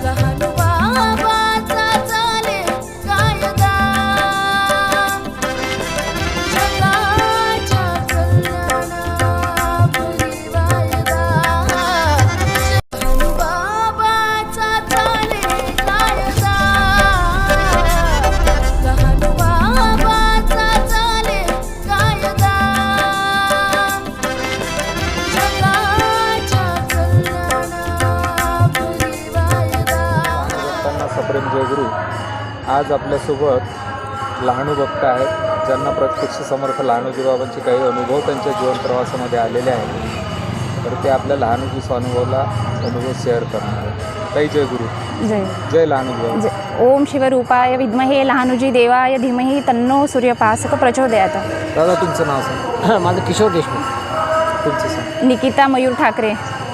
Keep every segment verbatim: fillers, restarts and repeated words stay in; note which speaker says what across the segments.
Speaker 1: सप्रेम जयगुरु आज आपल्यासोबत लहानू भक्त आहेत, ज्यांना प्रत्यक्ष समर्थ लहानूजी बाबांचे काही अनुभव त्यांच्या जीवन प्रवासामध्ये आलेले आहेत. तर ते आपल्या लहानूजी स्वानुभवाला अनुभव शेअर करणार आहेत. ताई जय गुरु.
Speaker 2: जय
Speaker 1: जय लहानूजी बाबा.
Speaker 2: ओम शिवरूपाय विद्महे लहानूजी देवाय धीमहि तन्नो सूर्यपासक प्रचोदयात.
Speaker 1: दादा तुमचं नाव सांग.
Speaker 3: माझं किशोर देशमुख.
Speaker 1: तुमचं सांग.
Speaker 2: निकिता मयूर ठाकरे.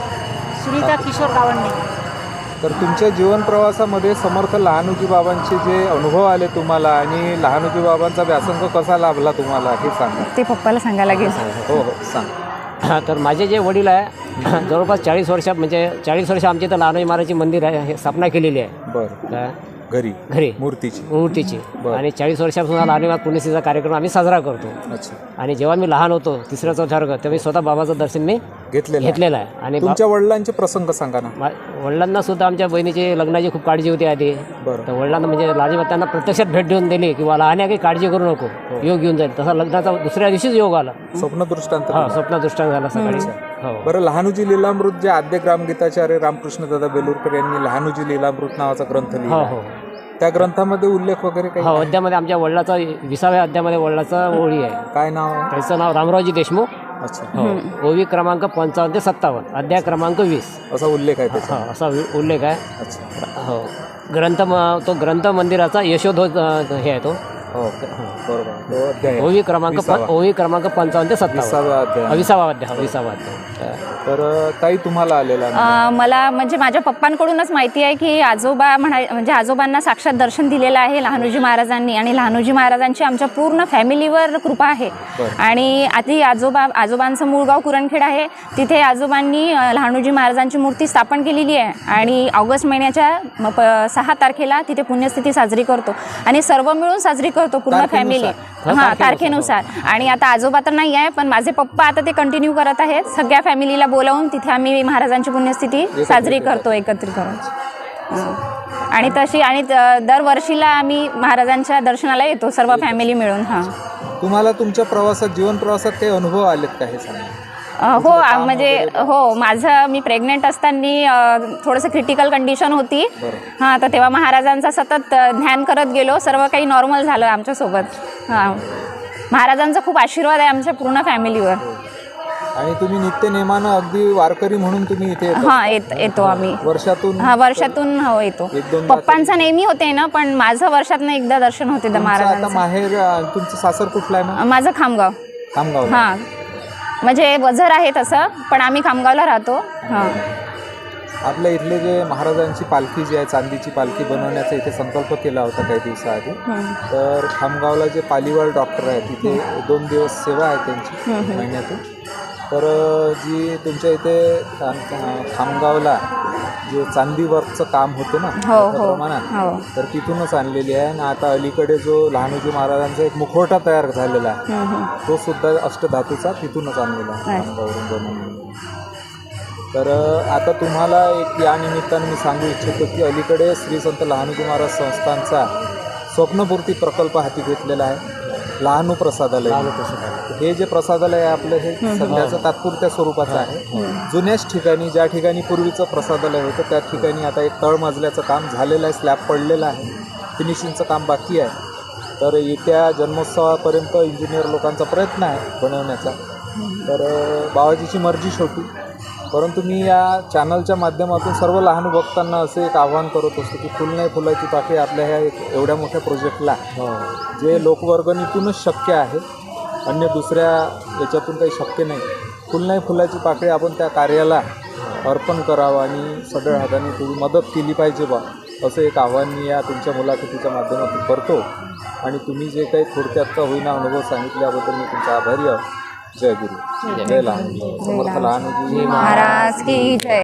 Speaker 4: सुनीता किशोर गावंडे.
Speaker 1: तर तुमच्या जीवन प्रवासामध्ये समर्थ लहानूजी बाबांचे जे अनुभव आले तुम्हाला आणि लहानूजी बाबांचा व्यासंग कसा लाभला तुम्हाला हे सांगा.
Speaker 2: ते पप्पाला सांगायला लागेल.
Speaker 1: हो हो सांग.
Speaker 3: तर माझे जे वडील आहे जवळपास चाळीस वर्ष म्हणजे चाळीस वर्ष आमच्या इथं लहानूजी महाराजची मंदिर आहे, हे स्थापना केलेली आहे.
Speaker 1: बरं. घरी
Speaker 3: घरी
Speaker 1: मूर्तीची
Speaker 3: मूर्तीची
Speaker 1: बरं.
Speaker 3: आणि चाळीस वर्षापासून लहानूजी महाराज पुण्यतिथीचा कार्यक्रम आम्ही साजरा करतो.
Speaker 1: अच्छा.
Speaker 3: आणि जेव्हा मी लहान होतो तिसऱ्या चौथ्या वर्गात तेव्हा मी स्वतः बाबाचं दर्शन मी
Speaker 1: घेतलेलं
Speaker 3: घेतलेलं आहे. आणि बा-
Speaker 1: तुमच्या वडिलांचे प्रसंग सांगा ना.
Speaker 3: मा- वडिलांना सुद्धा आमच्या बहिणीची लग्नाची खूप काळजी होती आधी.
Speaker 1: बरं.
Speaker 3: तर वडिलांना म्हणजे लहानजी महाराज त्यांना प्रत्यक्षात भेट देऊन दिली की मला लहान काही काळजी करू नको, योग घेऊन जाईल. तसा लग्नाचा दुसऱ्या दिवशीच योग आला.
Speaker 1: स्वप्न दृष्टांत.
Speaker 3: हा स्वप्न दृष्टांत झाला सकाळी. हो.
Speaker 1: बरं. लहानूजी लीलामृत जे आद्य ग्रामगीताचार्य रामकृष्ण दादा बेलूरकर यांनी लहानूजी लीलामृत नावाचा ग्रंथ
Speaker 3: हो
Speaker 1: लिहिला,
Speaker 3: हो
Speaker 1: त्या ग्रंथामध्ये उल्लेख वगैरे काही
Speaker 3: हो
Speaker 1: आहे?
Speaker 3: अध्यामध्ये आमच्या वडिलाचा विसाव्या अध्यामध्ये वडिलाचा ओळी आहे.
Speaker 1: काय नाव आहे?
Speaker 3: त्याचं नाव रामरावजी देशमुख.
Speaker 1: अच्छा.
Speaker 3: हो. ओवी क्रमांक पंचावन्न ते सत्तावन्न, अध्याय क्रमांक वीस
Speaker 1: असा उल्लेख आहे त्याचा.
Speaker 3: हा असा वि- उल्लेख आहे.
Speaker 1: अच्छा.
Speaker 3: हो. ग्रंथ म- तो ग्रंथ मंदिराचा यशोध्वज अ, हे आहे तो.
Speaker 1: हो बरोबर. तो अध्याय आहे.
Speaker 3: ओवी क्रमांक
Speaker 1: विसावा.
Speaker 3: पं- ओवी क्रमांक पंचावन्न ते सत्तावन्न,
Speaker 1: विसावा अध्याय.
Speaker 3: हा, विसावा अध्याय. हा, विसावा अध्याय.
Speaker 1: तर ताई तुम्हाला आलेला अनुभव?
Speaker 2: अं, मला म्हणजे माझ्या पप्पांकडूनच माहिती आहे की आजोबा म्हणा म्हणजे आजोबांना साक्षात दर्शन दिलेलं आहे लहानूजी महाराजांनी. आणि लहानूजी महाराजांची आमच्या पूर्ण फॅमिलीवर कृपा आहे. आणि आधी आजोबा आजोबांचं मूळ गाव कुरणखेड आहे. तिथे आजोबांनी अं, लहानूजी महाराजांची मूर्ती स्थापन केलेली आहे. आणि ऑगस्ट महिन्याच्या म- प- सहा तारखेला तिथे पुण्यस्थिती साजरी करतो आणि सर्व मिळून साजरी करतो पूर्ण फॅमिली. हां तारखेनुसार. आणि आता आजोबा तर नाही आहे पण माझे पप्पा आता ते कंटिन्यू करत आहेत. सगळ्या फॅमिलीला बोलावून तिथे आम्ही महाराजांची पुण्यस्थिती साजरी करतो एकत्रित करून. आणि तशी आणि द- दरवर्षीला आम्ही महाराजांच्या दर्शनाला येतो सर्व फॅमिली मिळून. हां
Speaker 1: तुम्हाला तुमच्या प्रवासात जीवन प्रवासात काही अनुभव आलेत का हे सांगा.
Speaker 2: अ, हो आ- म्हणजे हो माझं मी प्रेग्नेंट असताना थोडंसं क्रिटिकल कंडिशन होती. हां तर तेव्हा महाराजांचा सतत अ, ध्यान करत गेलो. सर्व काही नॉर्मल झालं आमच्यासोबत. हां महाराजांचा खूप आशीर्वाद आहे आमच्या पूर्ण फॅमिलीवर.
Speaker 1: आणि तुम्ही नित्य नेमानं अगदी वारकरी म्हणून तुम्ही इथे येता?
Speaker 2: हां येत येतो आम्ही
Speaker 1: वर्षातून.
Speaker 2: हा वर्षातून हो येतो.
Speaker 1: एक दोन
Speaker 2: पप्पांचा नेहमी होते ना पण माझं वर्षातनं एकदा दर्शन होते द
Speaker 1: तुमचं आता
Speaker 2: महाराजांचं.
Speaker 1: माहेर अं, तुमचं सासर कुठलं आहे मग?
Speaker 2: माझं खामगाव.
Speaker 1: खामगाव.
Speaker 2: हां म्हणजे वझर आहे तसं पण आम्ही खामगावला राहतो. हां
Speaker 1: आपल्या इथले जे महाराजांची पालखी जी आहे चांदीची पालखी बनवण्याचा इथे संकल्प केला होता काही दिवसाआधी. तर खामगावला जे पालीवाल डॉक्टर आहे तिथे दोन दिवस सेवा आहे त्यांची महिन्यातून. तर जी तुमच्या इथे खाम- खामगावला जे चांदी वर्कचं काम होतं ना
Speaker 2: हो हो
Speaker 1: मोठ्या प्रमाणात,
Speaker 2: हो
Speaker 1: तर तिथूनच आणलेली आहे. आणि आता अलीकडे जो लहानूजी महाराजांचा एक मुखवटा तयार झालेला आहे
Speaker 2: हम्म, हम्म.
Speaker 1: तो सुद्धा अष्टधातूचा तिथूनच आणलेला आहे खामगाववरून बनवलेला. तर आता तुम्हाला एक या निमित्तानं मी सांगू इच्छितो की अलीकडे श्री संत लहानूजी महाराज संस्थांचा स्वप्नपूर्ती प्रकल्प हाती घेतलेला आहे. लहानू प्रसादालय. हे जे प्रसादालय आहे आपलं हे सध्याचं तात्पुरत्या स्वरूपाचं आहे. जुन्याच ठिकाणी ज्या ठिकाणी पूर्वीचं प्रसादालय होतं त्या ठिकाणी आता एक तळमजल्याचं काम झालेलं आहे, स्लॅब पडलेलं आहे, फिनिशिंगचं काम बाकी आहे. तर येत्या जन्मोत्सवापर्यंत इंजिनियर लोकांचा प्रयत्न आहे बनवण्याचा. तर बाबाजीची मर्जी शेवटी. परंतु मी या चॅनलच्या माध्यमातून सर्व लहान भक्तांना असे एक आव्हान करत असतो की फुल नाही फुलाची पाकळी आपल्या ह्या एक एवढ्या मोठ्या प्रोजेक्टला जे लोकवर्गणीतूनच शक्य आहे, अन्य दुसऱ्या याच्यातून काही शक्य नाही. फुल नाही फुलाची पाकळी आपण त्या कार्याला अर्पण करावं आणि सढळ हाताने थोडी मदत केली पाहिजे बा असं एक आव्हान मी या तुमच्या मुलाखतीच्या माध्यमातून करतो. आणि तुम्ही जे काही थोडक्यात का होईना अनुभव सांगितल्याबद्दल मी तुमचा आभारी आहोत. जय गुरु. जय लहानूजी. समर्थ लहानूजी
Speaker 2: महाराज की जय.